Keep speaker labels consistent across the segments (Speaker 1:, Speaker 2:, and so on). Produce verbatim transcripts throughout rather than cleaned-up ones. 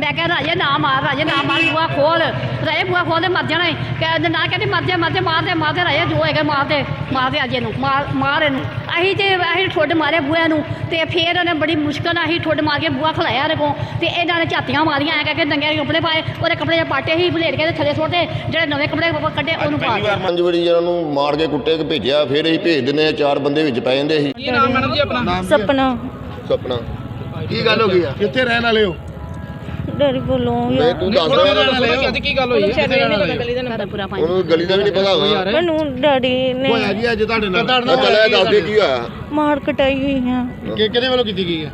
Speaker 1: मैं कह राजे ना मार राजे ना मार बुआ खोल राजे बुआ खोल दे मर जाना कह ना कहते मर जा मर जा मार दे मार दे राजे जो है मार दे मार दे अजे मार मार इन अं तो अं ठुड मारे बुआ नूं ते फिर उन्हें बड़ी मुश्किल अं ठुड मार के बुआ खलाया को तो इन्होंने झातियां मारियां ऐ करके नंगे कपड़े पाए वो कपड़े पाटे ही भलेट के थले सुट्टे जो नवे कपड़े कड्डे उन्होंने
Speaker 2: पंज वारी जिन्होंने मार के कुट्टे के भेजा फिर अं भेज दिंदे चार बंदे विच पै जांदे सी
Speaker 3: सपना
Speaker 2: सपना की गल हो गई है कित्थे रहन वाले हो
Speaker 3: डैडी बोलो
Speaker 2: नहीं तू दस
Speaker 4: ਅੱਜ ਕੀ ਗੱਲ ਹੋਈ ਹੈ
Speaker 2: ਉਹਨੂੰ ਗਲੀ ਦਾ ਵੀ ਨਹੀਂ ਪਤਾ ਹੋਗਾ
Speaker 3: ਮੈਨੂੰ ਡੈਡੀ ਨੇ
Speaker 4: ਹੋਇਆ ਜੀ ਅੱਜ ਤੁਹਾਡੇ ਨਾਲ
Speaker 2: ਚੱਲ ਦੱਸ ਦੇ ਕੀ ਹੋਇਆ
Speaker 3: ਮਾਰ ਕਟਾਈ ਹੋਈ ਆ
Speaker 4: ਕਿ ਕਿਹਦੇ ਵੱਲੋਂ ਕੀਤੀ ਗਈ ਹੈ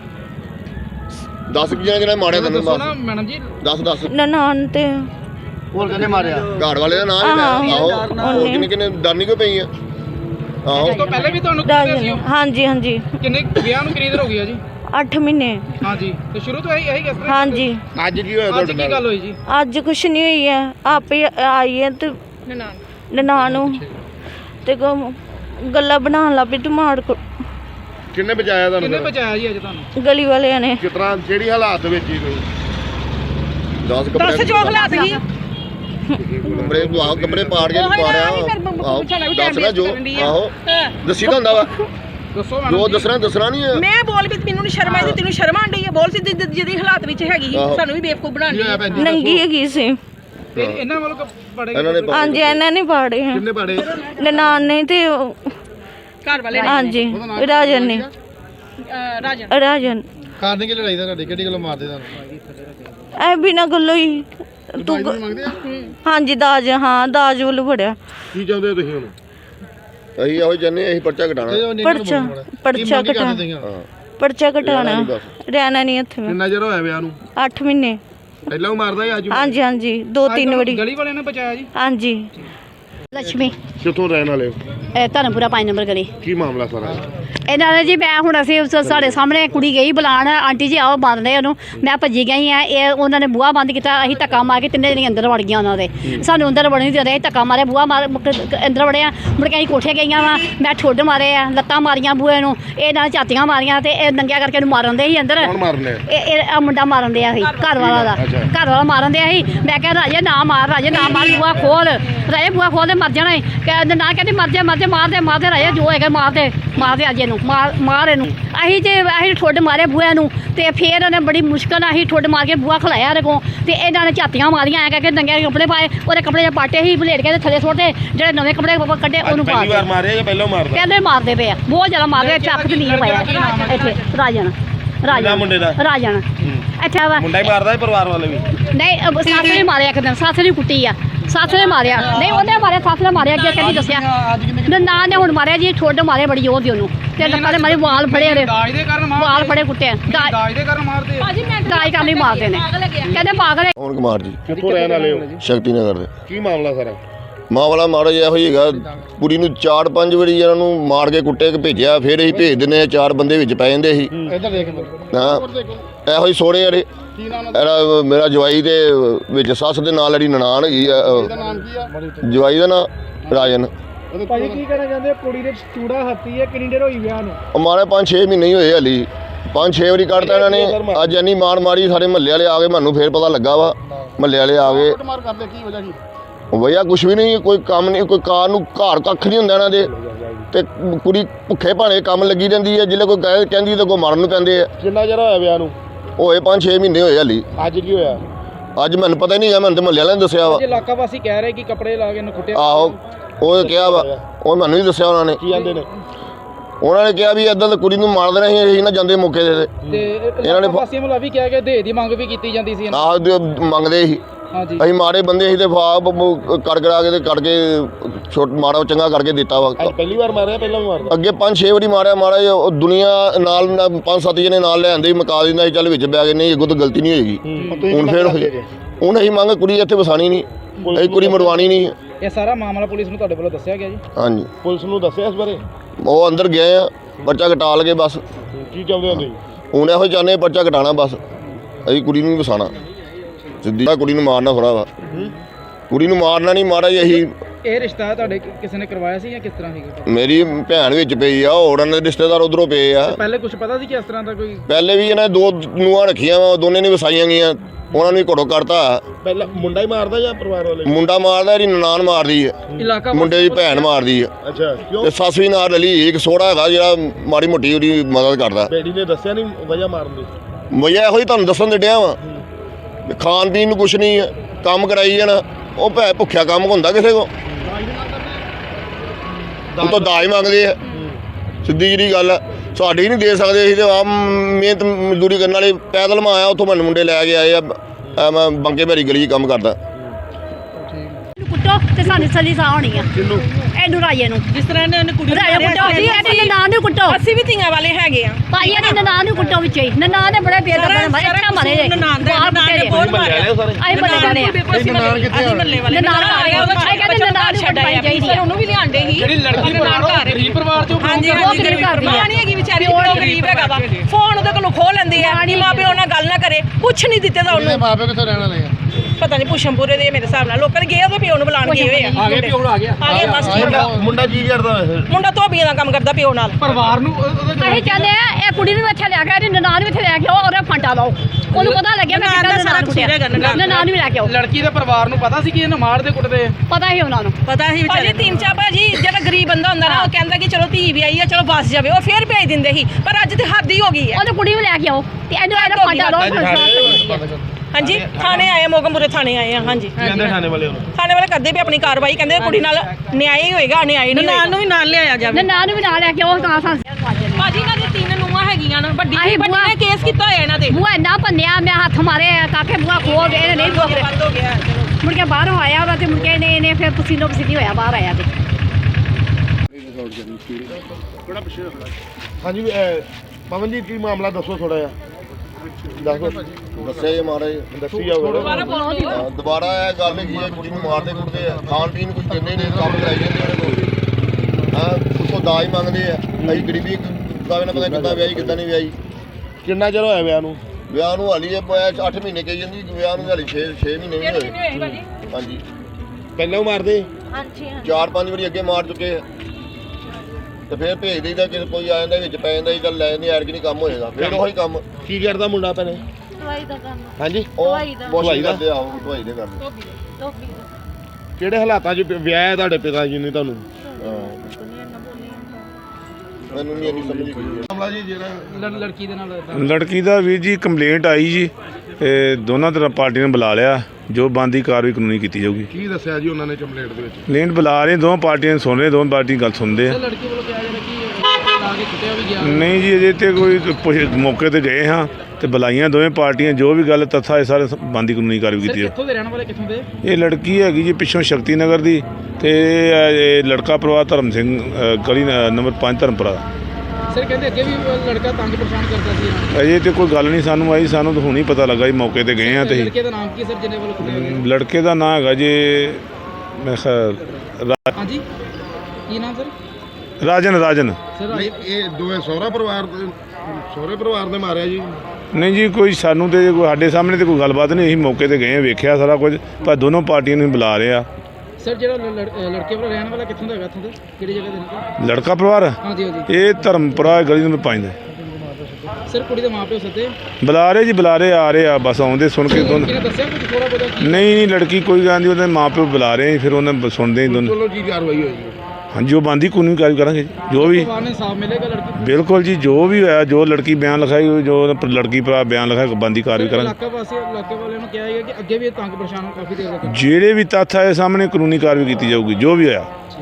Speaker 2: ਦਸ ਕਿ ਜਿਹੜਾ ਮਾਰਿਆ ਤੈਨੂੰ
Speaker 4: ਦੱਸੋ ਨਾ ਮੈਡਮ ਜੀ
Speaker 2: ਦਸ ਦਸ
Speaker 3: ਨਨਾਣ ਤੇ
Speaker 4: ਹੋਰ ਕਿਹਨੇ ਮਾਰਿਆ
Speaker 2: ਘਾੜ ਵਾਲੇ ਦਾ ਨਾਮ ਹੀ ਆਹੋ ਹੋਰ ਕਿੰਨੇ ਕਿੰਨੇ ਡਰਨੀ ਕਿਉਂ ਪਈ ਆ ਆਹੋ
Speaker 4: ਉਸ ਤੋਂ ਪਹਿਲੇ ਵੀ ਤੁਹਾਨੂੰ
Speaker 3: ਡੈਡੀ
Speaker 4: ਕਿਹਾ ਸੀ
Speaker 3: ਨੇ ਹਾਂਜੀ ਹਾਂਜੀ
Speaker 4: ਕਿੰਨੇ ਵਿਆਹ ਨੂੰ ਕਿੰਨੀ ਦੇਰ ਹੋ ਗਈ ਆ ਜੀ
Speaker 3: ਅੱਠ ਮਹੀਨੇ
Speaker 4: ਹਾਂਜੀ ਤੇ ਸ਼ੁਰੂ ਤੋਂ ਇਹੀ ਇਹੀ ਕਿਸ ਤਰ੍ਹਾਂ
Speaker 3: ਹਾਂਜੀ
Speaker 2: ਅੱਜ ਕੀ ਹੋਇਆ
Speaker 4: ਅੱਜ
Speaker 2: ਤੁਹਾਡੇ
Speaker 4: ਕੀ
Speaker 2: ਨਾਲ
Speaker 4: ਗੱਲ ਹੋਈ ਜੀ
Speaker 3: ਅੱਜ ਕੁਛ ਨਹੀਂ ਹੋਈ ਹੈ ਆਪੇ ਆਈ ਹੈ ਤੇ ਨਨਾਣ ਨੂੰ ਤੇ ਗ- ਗੱਲਾਂ ਬਣਾਉਣ ਲੱਗ ਪਈ ਤੇ ਮਾਰ ਕੁ-
Speaker 2: ਕਿੰਨੇ ਬਚਾਇਆ
Speaker 4: ਕਿੰਨੇ
Speaker 2: ਤੁਹਾਨੂੰ
Speaker 4: ਬਚਾਇਆ ਜੀ ਅੱਜ ਤੁਹਾਨੂੰ
Speaker 3: ਗਲੀ ਵਾਲਿਆਂ ਨੇ
Speaker 2: ਕਿਸ ਤਰ੍ਹਾਂ ਜਿਹੜੀ ਹਾਲਾਤ ਵਿੱਚ ਹੀ ਕੋਈ ਦਸ ਕੱਪੜੇ
Speaker 3: ਦੱਸ ਜੋ ਹਾਲਾਤ ਸੀ
Speaker 2: ਕੱਪੜੇ ਆਹੋ ਕੱਪੜੇ ਪਾੜ ਕੇ ਮਾਰਿਆ ਆਹੋ ਦੱਸਣਾ ਜੋ ਆਹੋ ਦੱਸੀ ਤਾਂ ਹੁੰਦਾ ਵਾ
Speaker 4: ਦੱਸੋ
Speaker 2: ਜੋ
Speaker 4: ਮੈਡਮ ਜੀ
Speaker 2: ਦੱਸਣਾ ਦੱਸਣਾ ਨਹੀਂ ਹੈ
Speaker 5: ਮੈਂ ਬੋਲ ਵੀ ਮੈਨੂੰ ਨਹੀਂ ਸ਼ਰਮ ਆਈ ਤੈਨੂੰ ਸ਼ਰਮ ਆਂਦੀ ਹੈ ਬੋਲ ਸੀ ਜਿ- ਜਿਹਦੀ ਹਾਲਾਤ ਵਿੱਚ ਹੈਗੀ ਸੀ,
Speaker 2: ਆਹੋ।
Speaker 5: ਸਾਨੂੰ ਵੀ ਬੇਵਕੂਫ ਬਣਾਉਣੀ
Speaker 4: ਕੀ ਹੋਇਆ ਭੈਣ ਜੀ
Speaker 3: ਨੰਗੀ ਹੈਗੀ ਸੀ
Speaker 4: ਤੇ ਇਹਨਾਂ ਵੱਲੋਂ ਪੜੇ
Speaker 2: ਇਹਨਾਂ ਨੇ
Speaker 3: ਹਾਂਜੀ ਇਹਨਾਂ ਨੇ ਪਾੜੇ ਹੈ
Speaker 4: ਕਿੰਨੇ ਪੜੇ
Speaker 3: ਨਨਾਣ ਨੇ ਤੇ ਉਹ-
Speaker 5: ਘਰ ਵਾਲੇ
Speaker 3: ਹਾਂਜੀ ਰਾਜਨ ਨੇ
Speaker 5: ਅਹ, ਰਾਜਨ
Speaker 3: ਰਾਜਨ
Speaker 4: ਕਾਰਨ ਕੀ ਲੜਾਈ ਦਾ ਤੁਹਾਡੇ ਕਿਹੜੀ ਗੱਲੋਂ ਮਾਰਦੇ ਤੁਹਾਨੂੰ
Speaker 3: ਐ ਬਿਨਾ ਗੱਲੋਂ ਹੀ ਤੂੰ ਗ-
Speaker 4: ਮੰਗਦੇ ਆ
Speaker 3: ਹਾਂਜੀ ਦਾਜ ਹਾਂ ਦਾਜ ਵੱਲੋਂ ਫੜਿਆ
Speaker 2: ਕੀ ਚਾਹੁੰਦੇ ਹੋ ਤੁਸੀਂ ਹੁਣ ਅਸੀਂ ਇਹੋ ਜੰਨੇ ਅਸੀਂ ਪਰਚਾ ਘਟਾਣਾ
Speaker 3: ਪਰਚਾ ਪਰਚਾ ਘਟਾ
Speaker 2: ਹਾਂ
Speaker 3: ਪਰਚਾ ਘਟਾਣਾ ਰਹਿਣਾ ਨਹੀਂ ਇੱਥੇ ਮੈਂ
Speaker 4: ਕਿੰਨਾ ਚਿਰ ਹੋਇਆ ਵਿਆਹ ਨੂੰ
Speaker 3: ਅੱਠ ਮਹੀਨੇ
Speaker 4: ਪਹਿਲਾਂ ਉਹ ਮਾਰਦਾ ਸੀ ਅੱਜ ਵੀ?
Speaker 3: ਹਾਂਜੀ ਹਾਂਜੀ ਦੋ ਤਿੰਨ ਵਾਰੀ
Speaker 4: ਗਲੀ ਵਾਲਿਆਂ ਨੇ ਬਚਾਇਆ ਜੀ
Speaker 3: ਹਾਂਜੀ
Speaker 1: लक्ष्मी
Speaker 2: ਕਿੱਥੋਂ ਰਹਿਣ ਵਾਲੇ ਹੋ
Speaker 1: ਇਹ ਧਰਮਪੁਰਾ ਪੰਜ ਨੰਬਰ ਗਲੀ
Speaker 2: ਕੀ ਮਾਮਲਾ ਸਾਰਾ
Speaker 1: ਇਹਨਾਂ ਨੇ ਜੀ ਮੈਂ ਹੁਣ ਅਸੀਂ ਉਸ ਸਾਡੇ ਸਾਹਮਣੇ ਕੁੜੀ ਗਈ ਬੁਲਾਉਣ ਆਂਟੀ ਜੀ ਆਓ ਬੰਦ ਨੇ ਉਹਨੂੰ ਮੈਂ ਭੱਜੀ ਗਈ ਆ ਇਹ ਉਹਨਾਂ ਨੇ ਬੂਹਾ ਬੰਦ ਕੀਤਾ ਅਸੀਂ ਧੱਕਾ ਮਾਰ ਕੇ ਤਿੰਨੇ ਜਣੇ ਅੰਦਰ ਵੜ ਗਈਆਂ ਉਹਨਾਂ ਦੇ ਸਾਨੂੰ ਅੰਦਰ ਵੜਨ ਨਹੀਂ ਦੇ ਰਹੇ ਧੱਕਾ ਮਾਰੇ ਬੂਹਾ ਮਾਰ ਮੁੜ ਕੇ ਅੰਦਰ ਵੜਿਆ ਮੁੜ ਕੇ ਅਸੀਂ ਕੋਠੇ ਗਈਆਂ ਵਾ ਮੈਂ ਠੁੱਡ ਮਾਰੇ ਆ ਲੱਤਾਂ ਮਾਰੀਆਂ ਬੂਹੇ ਨੂੰ ਇਹ ਨਾਲ ਝਾਤੀਆਂ ਮਾਰੀਆਂ ਤੇ ਇਹ ਨੰਗਿਆ ਕਰਕੇ ਇਹਨੂੰ ਮਾਰਨ ਦੇ ਸੀ ਅੰਦਰ
Speaker 2: ਕੌਣ ਮਾਰਨੇ
Speaker 1: ਇਹ ਇਹ ਆਹ ਮੁੰਡਾ ਮਾਰਨ ਦਿਆ ਸੀ ਘਰ ਵਾਲਾ ਦਾ ਘਰ ਵਾਲਾ ਮਾਰਨ ਦਿਆ ਸੀ ਮੈਂ ਕਿਹਾ ਰਾਜੇ ਨਾ ਮਾਰ ਰਾਜੇ ਨਾ ਮਾਰ ਬੂਹਾ ਖੋਲ ਰਾਜੇ ਬੂਹਾ ਖੋਲ ਦੇ ਮਰ ਜਾਣਾ ਕਹਿ ਨਾ ਕਹਿੰਦੀ ਮਰ ਜਾ ਮਰ ਜਾ ਮਾਰ ਦੇ ਮਾਰ ਦੇ ਰਾਜੇ ਜੋ ਹੈਗਾ ਮਾਰ ਦੇ ਮਾਰ ਦੇ ਅਜੇ ਨੂੰ ਮਾਰ ਮਾਰ ਇਹਨੂੰ ਅਸੀਂ ਤੇ ਅਸੀਂ ਠੁੱਡ ਮਾਰੇ ਬੂਹੇ ਨੂੰ ਤੇ ਫਿਰ ਉਹਨੇ ਬੜੀ ਮੁਸ਼ਕਿਲ ਅਸੀਂ ਠੁੱਡ ਮਾਰ ਕੇ ਬੂਹਾ ਖਲਾਇਆ ਇਹਦੇ ਕੋਲ ਤੇ ਇਹਨਾਂ ਨੇ ਝਾਤੀਆਂ ਮਾਰੀਆਂ ਐ ਕਰਕੇ ਨੰਗੇ ਕੱਪੜੇ ਪਾਏ ਉਹਦੇ ਕੱਪੜੇ ਪਾਟੇ ਹੀ ਭਲੇਟ ਕੇ ਥਲੇ ਸੁੱਟੇ ਜਿਹੜੇ ਨਵੇਂ ਕੱਪੜੇ ਕੱਢੇ ਉਹਨੂੰ ਪਾ
Speaker 2: ਪਹਿਲੀ ਵਾਰ ਮਾਰਿਆ ਜਾਂ ਪਹਿਲਾਂ ਮਾਰਦਾ
Speaker 1: ਕਹਿੰਦੇ ਮਾਰਦੇ ਪਏ ਆ ਬਹੁਤ ਜ਼ਿਆਦਾ ਮਾਰਦੇ ਚੱਕ ਤੇ ਨਹੀਂ ਪਾਇਆ ਇੱਥੇ ਰਾਜਨ ਰਾਜਨ
Speaker 2: ਮੁੰਡੇ ਦਾ
Speaker 1: ਰਾਜਨ ਅੱਛਾ ਵਾ
Speaker 2: ਮੁੰਡਾ ਹੀ ਮਾਰਦਾ ਪਰਿਵਾਰ ਵਾਲੇ ਵੀ
Speaker 1: ਨਹੀਂ ਅਹ ਸੱਸ ਨੇ ਮਾਰਿਆ ਇੱਕ ਦਿਨ ਸੱਸ ਨੇ ਕੁੱਟੀ ਆ ਸੱਸ ਨੇ ਮਾਰਿਆ ਨਹੀਂ ਉਹਨੇ ਮਾਰਿਆ ਸੱਸ ਨੇ ਮਾਰਿਆ ਅੱਗੇ ਕਹਿੰਦੀ ਦੱਸਿਆ ਨਾ ਨੇ ਹੁਣ ਮਾਰਿਆ ਜੀ ਠੁੱਡ ਮਾਰੇ ਬੜੀ ਉਹ ਦੀ ਉਹਨੂੰ ਤੇ ਲੱਤਾਂ ਦੇ ਮਾਰੇ ਵਾਲ ਫੜੇ ਉਹਦੇ
Speaker 4: ਦਾਜ ਦੇ ਕਾਰਨ ਮਾਰਦੇ
Speaker 1: ਵਾਲ ਫੜੇ ਕੁੱਟੇ ਦਾਜ
Speaker 4: ਦਾਜ ਦੇ ਕਾਰਨ ਮਾਰਦੇ ਆ
Speaker 1: ਦਾਜ ਕਰਨ ਲਈ ਮਾਰਦੇ ਨੇ ਕਹਿੰਦੇ ਪਾਗਲ ਹੈ।
Speaker 2: ਕੌਣ ਕੁਮਾਰ ਜੀ ਕਿੱਥੋਂ ਰਹਿਣ ਵਾਲੇ ਹੋ ਸ਼ਕਤੀ ਨਗਰ ਦੇ
Speaker 4: ਕੀ ਮਾਮਲਾ ਸਾਰਾ
Speaker 2: ਮਾਮਲਾ ਮਾੜਾ ਜਿਹਾ ਹੋਈ ਹੈਗਾ ਕੁੜੀ ਨੂੰ ਚਾਰ ਪੰਜ ਵਾਰੀ ਇਹਨਾਂ ਨੂੰ ਮਾਰ ਕੇ ਕੁੱਟੇ ਕੇ ਭੇਜਿਆ ਫਿਰ ਅਸੀਂ ਭੇਜ ਦਿੰਦੇ ਆ ਚਾਰ ਬੰਦੇ ਵਿੱਚ ਪੈ ਜਾਂਦੇ ਸੀ
Speaker 4: ਇੱਧਰ ਦੇਖ
Speaker 2: ਹਾਂ ਇਹੋ ਹੀ ਸੋਹਣੇ ਵਾਲੇ
Speaker 4: ਕੀ ਨਾਮ
Speaker 2: ਇਹਦਾ ਮੇਰਾ ਜਵਾਈ ਦੇ ਵਿੱਚ ਸੱਸ ਦੇ ਨਾਲ ਜਿਹੜੀ ਨਨਾਣ ਹੈਗੀ ਆ ਅਹ,
Speaker 4: ਨਾਮ ਕੀ ਆ
Speaker 2: ਜਵਾਈ ਦਾ ਨਾਂ ਰਾਜਨ
Speaker 4: ਭਾਜੀ ਕੀ ਕਹਿਣਾ ਚਾਹੁੰਦੇ ਕੁੜੀ ਦੇ ਚੂੜਾ ਹੱਤੀ ਹੈ ਕਿੰਨੀ ਦੇਰ ਹੋਈ ਵਿਆਹ ਨੂੰ
Speaker 2: ਉਹ ਮਾਰੇ ਪੰਜ ਛੇ ਮਹੀਨੇ ਹੀ ਹੋਏ ਹਲੀ ਪੰਜ ਛੇ ਵਾਰੀ ਕੱਢਤਾ ਇਹਨਾਂ ਨੇ ਅੱਜ ਇੰਨੀ ਮਾਰ ਮਾਰੀ ਸਾਰੇ ਮਹੱਲੇ ਵਾਲੇ ਆ ਗਏ ਮੈਨੂੰ ਫੇਰ ਪਤਾ ਲੱਗਾ ਵਾ ਮਹੱਲੇ ਵਾਲੇ ਆ ਗਏ
Speaker 4: ਮਾਰ ਕਰਦੇ ਕੀ ਵਜ੍ਹਾ ਕੀ
Speaker 2: ਭਈਆ ਕੁਛ ਵੀ ਨਹੀਂ ਕੋਈ ਕੰਮ ਨਹੀਂ ਕੋਈ ਕਾਰ ਨੂੰ ਘਰ ਕੱਖ ਨਹੀਂ ਹੁੰਦਾ ਇਹਨਾਂ ਦੇ ਤੇ ਕੁੜੀ ਭੁੱਖੇ ਭਾਣੇ ਕੰਮ ਲੱਗੀ ਰਹਿੰਦੀ ਹੈ ਜਿੱਲੇ ਕੋਈ ਕਹਿ ਕਹਿੰਦੀ ਤਾਂ ਕੋਈ ਮਰਨ ਨੂੰ ਪੈਂਦੇ ਆ
Speaker 4: ਕਿੰਨਾ ਚਿਰ ਹੋਇਆ ਵਿਆਹ ਨੂੰ
Speaker 2: ਹੋਏ ਪੰਜ ਛੇ ਮਹੀਨੇ ਹੋਏ ਹਲੀ
Speaker 4: ਅੱਜ ਕੀ ਹੋਇਆ
Speaker 2: ਅੱਜ ਮੈਨੂੰ ਪਤਾ ਹੀ ਨਹੀਂ ਹੈ ਮੈਨੂੰ ਤੇ ਮਹੱਲੇ ਵਾਲਿਆਂ ਨੇ ਦੱਸਿਆ ਵਾ
Speaker 4: ਅੱਜ ਇਲਾਕਾ ਵਾਸੀ ਕਹਿ ਰਹੇ ਕਿ ਕੱਪੜੇ ਲਾ ਕੇ ਇਹਨੂੰ ਕੁੱਟਿਆ
Speaker 2: ਆਹੋ ਉਹ ਕਿਹਾ ਵਾ ਉਹ ਮੈਨੂੰ ਹੀ ਦੱਸਿਆ ਉਹਨਾਂ ਨੇ
Speaker 4: ਕੀ ਆਂਦੇ ਨੇ
Speaker 2: ਉਹਨਾਂ ਨੇ ਕਿਹਾ ਵੀ ਇੱਦਾਂ ਤਾਂ ਕੁੜੀ ਨੂੰ ਮਾਰ ਦੇਣਾ ਸੀ ਅਸੀਂ ਨਾ ਜਾਂਦੇ ਮੌਕੇ ਤੇ
Speaker 4: ਤੇ ਇਹਨਾਂ ਨੇ ਵਾਸੀਆਂ ਵੱਲੋਂ ਵੀ ਕਿਹਾ ਕਿ ਦੇ ਦੀ ਮੰਗ ਵੀ ਕੀਤੀ ਜਾਂਦੀ ਸੀ
Speaker 2: ਆਹ ਜੋ ਮੰਗਦੇ ਸੀ
Speaker 4: ਹਾਂਜੀ
Speaker 2: ਅਸੀਂ ਮਾਰੇ ਬੰਦੇ ਸੀ ਤੇ ਫਾਪ ਕਰ ਕਰਾ ਕੇ ਤੇ ਕਰਕੇ ਛੋਟ ਮਾਰਾ ਚੰਗਾ ਕਰਕੇ ਦਿੱਤਾ ਵਾ
Speaker 4: ਅੱਜ ਪਹਿਲੀ ਵਾਰ ਮਾਰਿਆ ਪਹਿਲਾਂ ਵੀ ਮਾਰਦਾ
Speaker 2: ਅੱਗੇ ਪੰਜ ਛੇ ਵਾਰੀ ਮਾਰਿਆ ਮਾਰਾ ਜਿਹਾ, ਉਹ ਦੁਨੀਆ ਨਾਲ ਨਾ- ਪੰਜ ਸੱਤ ਜਣੇ ਨਾਲ ਲੈ ਆਂਦੇ ਮਕਾ ਦਿੰਦਾ ਸੀ ਚੱਲ ਵਿੱਚ ਬੈ ਗਏ ਨਹੀਂ ਅੱਗੋਂ ਤਾਂ ਗਲਤੀ ਨਹੀਂ ਹੋਏਗੀ ਹੁਣ ਫੇਰ ਹੋਈ ਹੁਣ ਅਸੀਂ ਮੰਗ ਕੁੜੀ ਇੱਥੇ ਵਸਾਣੀ ਨਹੀਂ ਅਸੀਂ ਕੁੜੀ ਮਰਵਾਣੀ ਨਹੀਂ
Speaker 4: ਇਹ ਸਾਰਾ ਮਾਮਲਾ ਪੁਲਿਸ ਨੂੰ ਤੁਹਾਡੇ ਵੱਲੋਂ ਦੱਸਿਆ ਗਿਆ ਜੀ
Speaker 2: ਹਾਂਜੀ
Speaker 4: ਪੁਲਿਸ ਨੂੰ ਦੱਸਿਆ ਇਸ ਬਾਰੇ
Speaker 2: ਉਹ ਅੰਦਰ ਗਏ ਆ ਪਰਚਾ ਕਟਾ ਲਗੇ ਬਸ
Speaker 4: ਕੀ ਚਾਹੁੰਦੇ ਹੋ ਤੁਸੀਂ
Speaker 2: ਹੁਣ ਇਹੋ ਚਾਹੁੰਦੇ ਪਰਚਾ ਕਟਾਣਾ ਬਸ ਅਸੀਂ ਕੁੜੀ ਨੂੰ ਵੀ ਵਸਾਣਾ ਸਿੱਧੀ ਕੁੜੀ ਨੂੰ ਮਾਰਨਾ ਥੋੜਾ ਵਾ ਕੁੜੀ ਨੂੰ ਮਾਰਨਾ ਨਹੀਂ ਮਾਰਾ ਜੀ ਅਸੀਂ
Speaker 4: ਇਹ ਰਿਸ਼ਤਾ ਤੁਹਾਡੇ ਕਿ- ਕਿਸੇ ਨੇ ਕਰਵਾਇਆ ਸੀ ਜਾਂ ਕਿਸ ਤਰ੍ਹਾਂ ਸੀਗਾ?
Speaker 2: ਮੇਰੀ ਭੈਣ ਵਿੱਚ ਪਈ ਆ, ਹੋਰ ਉਹਨਾਂ ਦੇ ਰਿਸ਼ਤੇਦਾਰ ਉਧਰੋਂ ਪਏ ਆ।
Speaker 4: ਪਹਿਲੇ ਕੁਝ ਪਤਾ ਸੀ ਕਿ ਇਸ ਤਰ੍ਹਾਂ ਦਾ ਕੋਈ?
Speaker 2: ਪਹਿਲੇ ਵੀ ਇਹਨਾਂ ਨੇ ਦੋ ਨੂੰਹਾਂ ਰੱਖੀਆਂ ਵਾ, ਦੋਨੇ ਨੇ ਵਸਾਈਆਂ ਗਈਆਂ, ਉਹਨਾਂ ਨੂੰ ਘੜੋ ਕਰਤਾ।
Speaker 4: ਪਹਿਲਾਂ ਮੁੰਡਾ ਹੀ ਮਾਰਦਾ ਜਾਂ ਪਰਿਵਾਰ ਵਾਲੇ?
Speaker 2: ਮੁੰਡਾ ਮਾਰਦਾ, ਇਹਦੀ ਨਨਾਣ ਮਾਰਦੀ ਹੈ,
Speaker 4: ਇਲਾਕਾ
Speaker 2: ਮੁੰਡੇ ਦੀ ਭੈਣ ਮਾਰਦੀ ਹੈ।
Speaker 4: ਅੱਛਾ, ਕਿਉਂ?
Speaker 2: ਤੇ ਸੱਸ ਵੀ ਨਾਲ ਰਲੀ। ਇੱਕ ਸੋਹਰਾ ਹੈਗਾ ਜਿਹੜਾ ਮਾੜੀ ਮੋਟੀ ਉਹਦੀ ਮਦਦ ਕਰਦਾ।
Speaker 4: ਬੇੜੀ ਨੇ ਦੱਸਿਆ ਨਹੀਂ ਵਜ੍ਹਾ ਮਾਰਨ ਦੀ?
Speaker 2: ਵਜ੍ਹਾ ਇਹੋ ਹੀ ਤੁਹਾਨੂੰ ਦੱਸਣ ਦੇ ਡਿਆ ਵਾ, ਖਾਣ ਪੀਣ ਨੂੰ ਕੁਛ ਨਹੀਂ ਹੈ, ਕੰਮ ਕਰਾਈ ਜਾਣਾ। ਉਹ ਭੈ ਭੁੱਖਿਆ ਕੰਮ ਹੁੰਦਾ ਕਿਸੇ ਕੋ, ਉਹ ਤਾਂ ਦਾਜ ਮੰਗਦੇ ਆ, ਸਿੱਧੀ ਜਿਹੀ ਗੱਲ ਆ। ਸਾਡੀ ਨਹੀਂ ਦੇ ਸਕਦੇ ਅਸੀਂ, ਤੇ ਆਪ ਮਿਹਨਤ ਮਜ਼ਦੂਰੀ ਕਰਨ ਵਾਲੇ। ਪੈਦਲ ਮੈਂ ਆਇਆ, ਉੱਥੋਂ ਮੈਨੂੰ ਮੁੰਡੇ ਲੈ ਕੇ ਆਏ ਆ। ਆ ਮੈਂ ਬੰਕੇ ਭੈਰੀ ਗਲੀ 'ਚ ਕੰਮ ਕਰਦਾ।
Speaker 1: ਕੁੱਟੋ ਤੇ ਸਾਨੂੰ ਸੱਲੀ ਸਾਹ ਹੋਣੀ ਆ ਇਹਨੂੰ ਰਾਜੇ ਨੂੰ।
Speaker 5: ਜਿਸ ਤਰ੍ਹਾਂ ਨੇ ਉਹਨੇ ਕੁੜੀ ਨੂੰ
Speaker 1: ਰਾਜੇ ਕੁੱਟੋ ਜੀ, ਇਹਦੀ ਨਨਾਣ ਨੂੰ ਕੁੱਟੋ।
Speaker 5: ਅਸੀਂ ਵੀ ਧੀਆਂ ਵਾਲੇ ਹੈਗੇ ਆ।
Speaker 1: ਭਾਈ ਇਹਦੀ ਨਨਾਣ ਨੂੰ ਕੁੱਟੋ ਵਿੱਚ ਹੀ। ਨਨਾਣ ਨੇ ਬੜੇ ਬੇਦਬਰ ਮਾਰੇ, ਇੱਥੇ ਮਾਰੇ ਜੇ
Speaker 5: ਨਨਾਣ ਦਾ
Speaker 1: ਬਾਹਰ
Speaker 5: ਨਨਾਣ ਨੇ
Speaker 1: ਕੁੱਟੇ
Speaker 5: ਬਹੁਤ ਮਾਰਿਆ।
Speaker 1: ਅਸੀਂ ਬੜੇ ਜਾਣੇ ਆ।
Speaker 5: ਅਸੀਂ ਮੱਲੇ ਵਾਲੇ
Speaker 1: ਨਨਾਣ ਆ ਗਿਆ, ਉਹਦਾ ਛਾਈ ਕਹਿੰਦੇ ਨਨਾਣ ਨੂੰ ਕੁੱਟਾਈ ਚਾਹੀਦੀ ਆ।
Speaker 5: ਉਹਨੂੰ ਵੀ ਲਿਆਂਦੇ ਸੀ।
Speaker 4: ਜਿਹੜੀ ਲੜਕੀ
Speaker 5: ਨਨਾਣ ਘਰ ਹੈ।
Speaker 4: ਗਰੀਬ ਪਰਿਵਾਰ ਚੋਂ
Speaker 5: ਹਾਂਜੀ
Speaker 1: ਬਹੁਤ
Speaker 5: ਹਾਂਜੀ,
Speaker 1: ਗਰੀਬ ਘਰ ਦੀ ਆ।
Speaker 5: ਮਾਂ ਨਹੀਂ ਹੈਗੀ ਵਿਚਾਰੀ, ਉਹ ਗਰੀਬ ਹੈਗਾ ਵਾ। ਫੋਨ ਉਹਦੇ ਕੋਲੋਂ ਖੋਹ ਲੈਂਦੇ ਆ, ਨੀ ਮਾਂ ਪਿਓ ਨਾਲ ਗੱਲ ਨਾ ਕਰੇ, ਕੁਛ ਨਹੀਂ ਦਿੱਤੇ ਤਾਂ ਉਹਨੂੰ।
Speaker 4: ਮਾਪੇ ਕਿੱਥੋਂ ਰਹਿਣ ਵਾਲੇ ਆ?
Speaker 5: ਪਤਾ ਨਹੀਂ ਪੁਸ਼ਮਪੁਰੇ ਦੇ ਮੇਰੇ ਹਿਸਾਬ ਨਾਲ ਲੋਕਾਂ ਨੇ ਗਏ ਉਹਦੇ ਪਿਓ ਨੂੰ ਬੁਲਾਣ ਗਏ ਹੋਏ ਆ।
Speaker 4: ਆ ਗਏ, ਪਿਓ ਆ ਗਿਆ।
Speaker 5: ਆ ਗਿਆ ਬਸ ਠੀਕ ਆ।
Speaker 2: ਮੁੰਡਾ ਕੀ ਕਰਦਾ ਵੈਸੇ?
Speaker 5: ਮੁੰਡਾ ਧੋਬੀਆਂ ਦਾ ਕੰਮ ਕਰਦਾ ਪਿਓ ਨਾਲ।
Speaker 4: ਪਰਿਵਾਰ ਨੂੰ ਉਹਦੇ
Speaker 1: ਅਸੀਂ ਚਾਹੁੰਦੇ ਆ ਇਹ ਕੁੜੀ ਨੂੰ ਇੱਥੇ ਲੈ ਕੇ ਇਹਦੀ ਨਨਾਣ ਨੂੰ ਇੱਥੇ ਲੈ ਕੇ ਆਓ, ਉਹਦਾ ਫਾਂਟਾ ਲਾਓ। ਉਹਨੂੰ ਪਤਾ ਲੱਗਿਆ ਮੈਂ ਕਿੱਦਾਂ ਨਨਾਣ ਕੁੱਟਿਆ। ਨਨਾਣ ਨੂੰ ਵੀ ਲੈ ਕੇ ਆਓ।
Speaker 4: ਲੜਕੀ ਦੇ ਪਰਿਵਾਰ ਨੂੰ ਪਤਾ ਸੀ ਕਿ ਇਹਨੂੰ ਮਾਰਦੇ ਕੁੱਟਦੇ ਆ?
Speaker 1: ਪਤਾ ਹੀ ਉਹਨਾਂ ਨੂੰ।
Speaker 5: ਪਤਾ ਹੀ ਵਿਚਾਰੇ ਤਿੰਨ ਚਾਰ ਭਾਜੀ ਜਿਹੜਾ ਗਰੀਬ ਬੰਦਾ ਹੁੰਦਾ ਨਾ, ਉਹ ਕਹਿੰਦਾ ਕਿ ਚਲੋ ਧੀ ਵੀ ਆਈ ਆ, ਚਲੋ ਬਸ ਜਾਵੇ, ਉਹ ਫੇਰ ਭੇਜ ਦਿੰਦੇ ਸੀ। ਪਰ ਅੱਜ ਤੇ ਹੱਦ ਹੀ ਹੋ ਗਈ ਹੈ।
Speaker 1: ਉਹਨੂੰ ਕੁੜੀ ਨੂੰ ਲੈ ਕੇ ਆਓ ਤੇ ਇਹਨੂੰ ਇਹਦਾ ਫਾਂਟਾ ਲਾਓ।
Speaker 5: ਹਾਂਜੀ, ਥਾਣੇ ਆਏ, ਮੋਗਮਪੁਰੇ ਥਾਣੇ ਆਏ ਆ। ਹਾਂਜੀ,
Speaker 4: ਕਹਿੰਦੇ ਥਾਣੇ ਵਾਲੇ ਉਹਨੂੰ?
Speaker 5: ਥਾਣੇ ਵਾਲੇ ਕਰਦੇ ਵੀ ਆਪਣੀ ਕਾਰਵਾਈ, ਕਹਿੰਦੇ ਕੁੜੀ ਨਾਲ ਨਿਆਂ ਹੀ ਹੋਏਗਾ, ਨਿਆਂ ਨਹੀਂ ਹੋਏਗਾ। ਨੂੰ ਵੀ ਨਾਲ ਲਿਆਇਆ ਜਾਵੇ।
Speaker 1: ਨਨਾਣ ਨੂੰ ਵੀ ਨਾਲ ਲੈ ਕੇ ਆਓ ਤਾਂ ਸਾਨੂੰ।
Speaker 5: ਭਾਜੀ ਇਹਨਾਂ ਦੀ ਤਿੰਨ ਨੂੰਹਾਂ ਹੈਗੀਆਂ ਨਾ, ਵੱਡੀ
Speaker 1: ਅਸੀਂ
Speaker 5: ਵੱਡੀ
Speaker 1: ਬੁਆ-
Speaker 5: ਨੇ ਕੇਸ ਕੀਤਾ ਹੋਇਆ ਇਹਨਾਂ ਤੇ।
Speaker 1: ਬੂਆ ਇੰਨਾ ਭੰਨਿਆ, ਮੈਂ ਹੱਥ ਮਾਰੇ ਕਾਕੇ ਬੂਆ ਖੋਲ ਦੇ, ਇਹਨੇ ਨਹੀਂ ਖੋਲਦੇ।
Speaker 5: ਬੰਦ ਹੋ ਗਿਆ।
Speaker 1: ਮੁੜ ਕੇ ਬਾਹਰੋਂ ਆਇਆ ਵਾ ਤੇ ਮੁੜ ਕੇ ਇਹਨੇ ਇਹਨੇ ਫਿਰ ਪਸੀਨੋ ਪਸੀਨੀ ਹੋਇਆ ਬਾਹਰ ਆਇਆ ਤੇ।
Speaker 2: ਹਾਂਜੀ ਪਵਨ ਜੀ, ਕੀ ਮਾਮਲਾ ਦੱਸੋ ਥੋੜਾ ਜਿਹਾ। ਦੱਸੋ। ਦੱਸਿਆ ਜੀ ਮਹਾਰਾਜ, ਦੱਸੀ ਜਾਓ।
Speaker 5: ਦੁਬਾਰਾ ਬੋਲੋ ਜੀ।
Speaker 2: ਹਾਂ, ਦੁਬਾਰਾ ਇਹ ਗੱਲ ਹੈਗੀ ਹੈ, ਕੁੜੀ ਨੂੰ ਮਾਰਦੇ ਕੁੱਟਦੇ ਆ, ਖਾਣ ਪੀਣ ਨੂੰ ਕੁਝ ਦਿੰਦੇ ਨਹੀਂ, ਕੰਮ ਕਰਾਈ ਜਾਂਦੇ ਉਹਦੇ ਕੋਲ। ਹਾਂ, ਉੱਥੋਂ ਦਾਜ ਮੰਗਦੇ ਆ। ਅਸੀਂ ਗਰੀਬੀ ਕਾਵੇ ਨਾ ਪਤਾ ਕਿੱਦਾਂ ਵਿਆਹੀ ਕਿੱਦਾਂ ਨਹੀਂ ਵਿਆਹੀ।
Speaker 4: ਕਿੰਨਾ ਚਿਰ ਹੋਇਆ ਵਿਆਹ ਨੂੰ?
Speaker 2: ਵਿਆਹ ਨੂੰ ਹਾਲੀ ਇਹ ਅੱਠ ਮਹੀਨੇ ਕਹੀ ਜਾਂਦੀ, ਵਿਆਹ ਨੂੰ ਹਾਲੀ ਛੇ ਛੇ ਮਹੀਨੇ ਵੀ ਨਹੀਂ ਹੋਏ। ਹਾਂਜੀ,
Speaker 4: ਪਹਿਲਾਂ ਮਾਰਦੇ?
Speaker 3: ਹਾਂਜੀ
Speaker 2: ਚਾਰ ਪੰਜ ਵਾਰੀ ਅੱਗੇ ਮਾਰ ਚੁੱਕੇ ਆ, ਤੇ ਫਿਰ ਭੇਜ ਦਈਦਾ ਕਿ ਕੋਈ ਆ ਜਾਂਦਾ ਵਿੱਚ ਪੈ ਜਾਂਦਾ, ਚੱਲ ਲੈ ਨਹੀਂ ਐਰ ਕਿ ਨਹੀਂ ਕੰਮ ਹੋਏਗਾ, ਫਿਰ ਉਹੀ ਕੰਮ।
Speaker 4: ਕੀ ਕਰਦਾ ਮੁੰਡਾ ਭੈਣੇ?
Speaker 3: ਦਵਾਈ ਦਾ ਕੰਮ।
Speaker 4: ਹਾਂਜੀ,
Speaker 2: ਉਹ
Speaker 3: ਦਵਾਈ ਦਾ।
Speaker 2: ਬਹੁਤ
Speaker 4: ਦਵਾਈ ਦਾ?
Speaker 2: ਕਰਦੇ ਆ, ਉਹ ਦਵਾਈ ਦੇ ਕਰਦੇ।
Speaker 3: ਧੋਬੀ ਦਾ।
Speaker 4: ਕਿਹੜੇ ਹਾਲਾਤਾਂ 'ਚ ਵਿਆਹ ਹੈ ਤੁਹਾਡੇ ਪਿਤਾ ਜੀ ਨੇ ਤੁਹਾਨੂੰ?
Speaker 2: ਮੈਨੂੰ ਨਹੀਂ ਇੰਨੀ ਸਮਝ ਗਈ ਮਾਮਲਾ ਜੀ ਜਿਹੜਾ
Speaker 4: ਲੜਕੀ ਦੇ ਨਾਲ
Speaker 6: ਲੜਕੀ ਦਾ ਵੀਰ ਜੀ ਕੰਪਲੇਂਟ ਆਈ ਜੀ, ਇਹ ਦੋਨਾਂ ਤਰ੍ਹਾਂ ਪਾਰਟੀ ਨੇ ਬੁਲਾ ਲਿਆ, ਜੋ ਬਣਦੀ ਕਾਰਵਾਈ ਕਾਨੂੰਨੀ ਕੀਤੀ ਜਾਊਗੀ।
Speaker 4: ਕੀ ਦੱਸਿਆ ਜੀ ਉਹਨਾਂ ਨੇ ਕੰਪਲੇਂਟ ਦੇ ਵਿੱਚ?
Speaker 6: ਕੰਪਲੇਂਟ ਬੁਲਾ ਰਹੇ, ਦੋਵਾਂ ਪਾਰਟੀਆਂ ਨੂੰ ਸੁਣ ਰਹੇ, ਦੋਵਾਂ ਪਾਰਟੀ ਗੱਲ ਸੁਣਦੇ ਆ।
Speaker 4: ਲੜਕੀ ਵੱਲੋਂ ਕਿਹਾ ਜਾਂਦਾ ਕਿ ਲਾ ਕੇ ਕੁੱਟਿਆ ਵੀ ਗਿਆ?
Speaker 6: ਨਹੀਂ ਜੀ, ਅਜੇ ਤੇ ਕੋਈ ਪੁੱਛ- ਮੌਕੇ ਤੇ ਗਏ ਹਾਂ ਤੇ ਬੁਲਾਈਆਂ ਦੋਵੇਂ ਪਾਰਟੀਆਂ, ਜੋ ਵੀ ਗੱਲ ਤੱਥਾ ਇਹ ਸਾਰੇ ਬਣਦੀ ਕਾਨੂੰਨੀ ਕਾਰਵਾਈ ਕੀਤੀ ਹੈ।
Speaker 4: ਕਿੱਥੋਂ ਦੇ ਰਹਿਣ ਵਾਲੇ, ਕਿੱਥੋਂ ਦੇ?
Speaker 6: ਇਹ ਲੜਕੀ ਹੈਗੀ ਜੀ ਪਿੱਛੋਂ ਸ਼ਕਤੀ ਨਗਰ ਦੀ, ਤੇ ਇਹ ਲੜਕਾ ਪਰਿਵਾਰ ਧਰਮ ਸਿੰਘ ਅ, ਗਲੀ ਨ- ਨੰਬਰ ਪੰਜ ਧਰਮਪੁਰਾ।
Speaker 4: ਸਰ ਕਹਿੰਦੇ ਅੱਗੇ ਵੀ ਲੜਕਾ ਤੰਗ ਪਰੇਸ਼ਾਨ ਕਰਦਾ ਸੀ ਇਹਨਾਂ ਨੂੰ।
Speaker 6: ਅਜੇ ਤੇ ਕੋਈ ਗੱਲ ਨਹੀਂ ਸਾਨੂੰ ਆਈ, ਸਾਨੂੰ ਤਾਂ ਹੁਣ ਹੀ ਪਤਾ ਲੱਗਾ ਜੀ, ਮੌਕੇ ਤੇ ਗਏ ਹਾਂ ਤੇ
Speaker 4: ਲੜਕੇ ਦਾ ਨਾਮ ਕੀ ਸਰ ਜਿਹਨੇ ਵੱਲੋਂ ਕੁੱਟਿਆ ਗਿਆ?
Speaker 6: ਲੜਕੇ ਦਾ ਨਾਂ ਹੈਗਾ ਜੀ ਮੈਂ ਖਿਆਲ ਰਾ-
Speaker 4: ਹਾਂਜੀ, ਕੀ ਨਾਮ ਸਰ?
Speaker 6: ਰਾਜਨ ਰਾਜਨ
Speaker 4: ਸਰ
Speaker 7: ਇਹ ਦੋਵੇਂ ਸਹੁਰਾ ਪਰਿਵਾਰ ਦੇ ਸਹੁਰੇ ਪਰਿਵਾਰ ਨੇ ਮਾਰਿਆ ਜੀ?
Speaker 6: ਨਹੀਂ ਜੀ, ਕੋਈ ਸਾਨੂੰ ਤੇ ਕੋਈ ਸਾਡੇ ਸਾਹਮਣੇ ਤੇ ਕੋਈ ਗੱਲਬਾਤ ਨਹੀਂ, ਅਸੀਂ ਮੌਕੇ ਤੇ ਗਏ ਹਾਂ, ਵੇਖਿਆ ਸਾਰਾ ਕੁਝ, ਪਰ ਦੋਨੋਂ ਪਾਰਟੀਆਂ ਨੂੰ ਬੁਲਾ ਰਹੇ ਆ।
Speaker 4: ਸਰ ਜਿਹੜਾ ਲੜ- ਲੜਕੇ ਵੱਲੋਂ ਰਹਿਣ ਵਾਲਾ ਕਿੱਥੋਂ ਦਾ ਹੈਗਾ, ਇੱਥੋਂ ਦੇ ਕਿਹੜੀ ਜਗ੍ਹਾ ਦੇ ਨੇ?
Speaker 6: ਲੜਕਾ ਪਰਿਵਾਰ
Speaker 4: ਹਾਂਜੀ ਹਾਂਜੀ।
Speaker 6: ਇਹ ਧਰਮਪੁਰਾ ਗਲੀ ਨੰਬਰ ਪੰਜ ਦਾ।
Speaker 4: ਸਰ ਕੁੜੀ ਦੇ ਮਾਪਿਓ ਸੱਦੇ?
Speaker 6: ਬੁਲਾ ਰਹੇ ਜੀ, ਬੁਲਾ ਰਹੇ, ਆ ਰਹੇ ਆ, ਬਸ ਆਉਂਦੇ ਸੁਣ ਕੇ ਦੋਨੋਂ।
Speaker 4: ਕਿਹਨੇ ਦੱਸਿਆ ਕੁਝ ਥੋੜਾ ਬਹੁਤਾ ਕੀ?
Speaker 6: ਨਹੀਂ ਨਹੀਂ, ਲੜਕੀ ਕੋਈ ਗੱਲ ਨਹੀਂ, ਉਹਦੇ ਮਾਪਿਓ ਬੁਲਾ ਰਹੇ, ਫਿਰ ਉਹਨਾਂ ਸੁਣਦੇ ਹੀ ਦੋਨੋਂ।
Speaker 7: ਚਲੋ ਕੀ ਕਾਰਵਾਈ ਹੋਈ?
Speaker 6: ਹਾਂਜੀ, ਉਹ ਬੰਦੀ ਕਾਨੂੰਨੀ ਕਾਰਵਾਈ ਕਰਾਂਗੇ ਜੀ, ਜੋ ਵੀ।
Speaker 4: ਪਰਿਵਾਰ ਨੂੰ ਇਨਸਾਫ ਮਿਲੇਗਾ ਲੜਕੀ ਨੂੰ?
Speaker 6: ਬਿਲਕੁਲ ਜੀ, ਜੋ ਵੀ ਹੋਇਆ, ਜੋ ਲੜਕੀ ਬਿਆਨ ਲਿਖਾਈ, ਜੋ ਲੜਕੀ ਭਰਾ ਬਿਆਨ ਲਿਖਾਇਆ, ਬੰਦੀ ਕਾਰਵਾਈ ਕਰਾਂਗੇ।
Speaker 4: ਇਲਾਕਾ ਵਾਸੀ ਇਲਾਕੇ ਵਾਲਿਆਂ ਨੂੰ ਕਿਹਾ ਹੈ ਕਿ ਅੱਗੇ ਵੀ ਇਹ ਤੰਗ ਪਰੇਸ਼ਾਨ ਕਾਫੀ ਦੇਰ ਤੱਕ।
Speaker 6: ਜਿਹੜੇ ਵੀ ਤੱਥ ਆਏ ਸਾਹਮਣੇ, ਕਾਨੂੰਨੀ ਕਾਰਵਾਈ ਕੀਤੀ ਜਾਊਗੀ, ਜੋ ਵੀ ਹੋਇਆ।